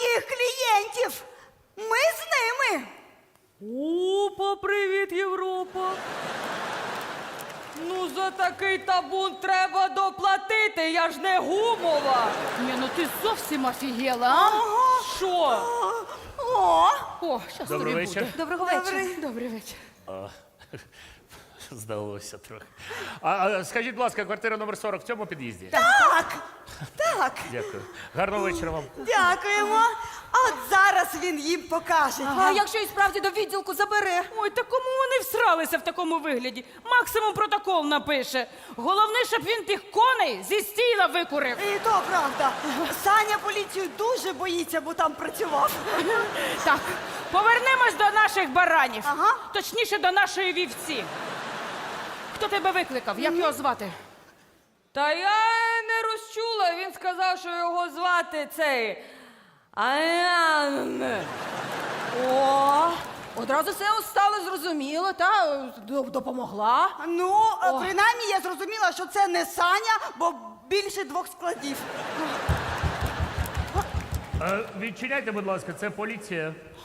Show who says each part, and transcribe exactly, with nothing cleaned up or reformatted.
Speaker 1: своїх клієнтів. Ми з ними.
Speaker 2: Опа, привіт, Європа. Ну, за такий табун треба доплатити, я ж не гумова.
Speaker 3: Ні, ну ти зовсім офігела, а?
Speaker 2: Що?
Speaker 1: О,
Speaker 3: О, щас
Speaker 4: Добрий
Speaker 3: тобі
Speaker 4: вечір.
Speaker 3: буде.
Speaker 1: доброго вечора.
Speaker 3: Добрий вечір.
Speaker 4: Здалося трохи. А, а скажіть, будь ласка, квартира номер сорок в цьому під'їзді?
Speaker 1: Так, так,
Speaker 4: Дякую. Гарного вечора вам.
Speaker 1: дякуємо. А от зараз він їм покаже.
Speaker 2: А якщо і справді до відділку забере?
Speaker 5: Ой, та кому вони всралися в такому вигляді? Максимум протокол напише. Головне, щоб він тих коней зі стіла викурив.
Speaker 1: І то правда. Саня поліцію дуже боїться, бо там працював.
Speaker 5: Так, повернемось до наших баранів.
Speaker 1: Ага.
Speaker 5: Точніше, до нашої вівці. Хто тебе викликав? Як його звати?
Speaker 2: Та я не розчула, він сказав, що його звати цей... Аян.
Speaker 3: О, одразу все стало зрозуміло, та д- допомогла.
Speaker 1: Ну, е, принаймні я зрозуміла, що це не Саня, бо більше двох складів.
Speaker 4: Е, відчиняйте, будь ласка, це поліція.